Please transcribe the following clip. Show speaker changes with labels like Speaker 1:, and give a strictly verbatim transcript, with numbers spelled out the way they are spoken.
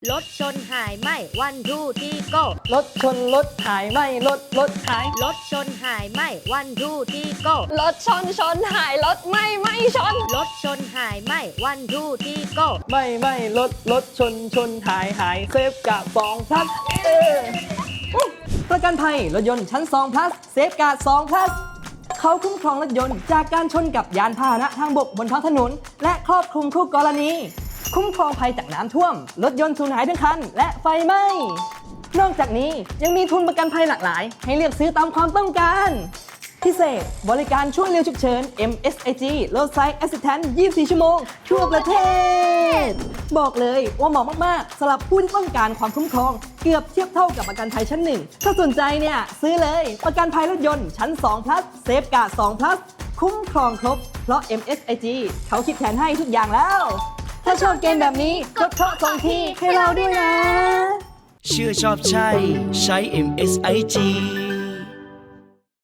Speaker 1: รถชนหายไหมวันทูที่โก้
Speaker 2: รถชนรถหายไหมรถรถหาย
Speaker 1: รถชนหายไหมวันทูที่โก้
Speaker 3: รถชนชนหายรถไม่ไม่ชน
Speaker 1: รถชนหายไหมวันทูที่โก้
Speaker 2: ไม่ไม่รถรถชนชนหายหายเซฟกับสองพลัสเอออุ๊ยประกันภัยรถยนต์ชั้นสอง plus เซฟการ์ดสอง plus เขาคุ้มครองรถยนต์จากการชนกับยานพาหนะทางบกบนท้องถนน และครอบคลุมทุกกรณี คุ้มครองภัยจากน้ำท่วม รถยนต์สูญหายทั้งคัน และไฟไหม้ นอกจากนี้ยังมีทุนประกันภัยหลากหลาย ให้เลือกซื้อตามความต้องการ พิเศษบริการช่วยเหลือฉุกเฉิน เอ็ม เอส ไอ จี Roadside Assistance ยี่สิบสี่ ชั่วโมง ทั่วประเทศ บอกเลยว่าเหมาะมาก ๆสำหรับผู้ที่ต้องการความคุ้มครอง เกือบเทียบเท่ากับประกันภัยชั้นหนึ่งถ้าสนใจเนี่ย ซื้อเลยประกันภัยรถยนต์ชั้นสอง plus เซฟการ์ดสอง plus คุ้มครองครบ เพราะ เอ็ม เอส ไอ จี เขาคิดแผนให้ทุกอย่างแล้ว ถ้าชอบเกมแบบนี้กดเคราะห์สองทีให้เราด้วยนะ
Speaker 4: เชื่อชอบใช่ใช้ เอ็ม เอส ไอ จี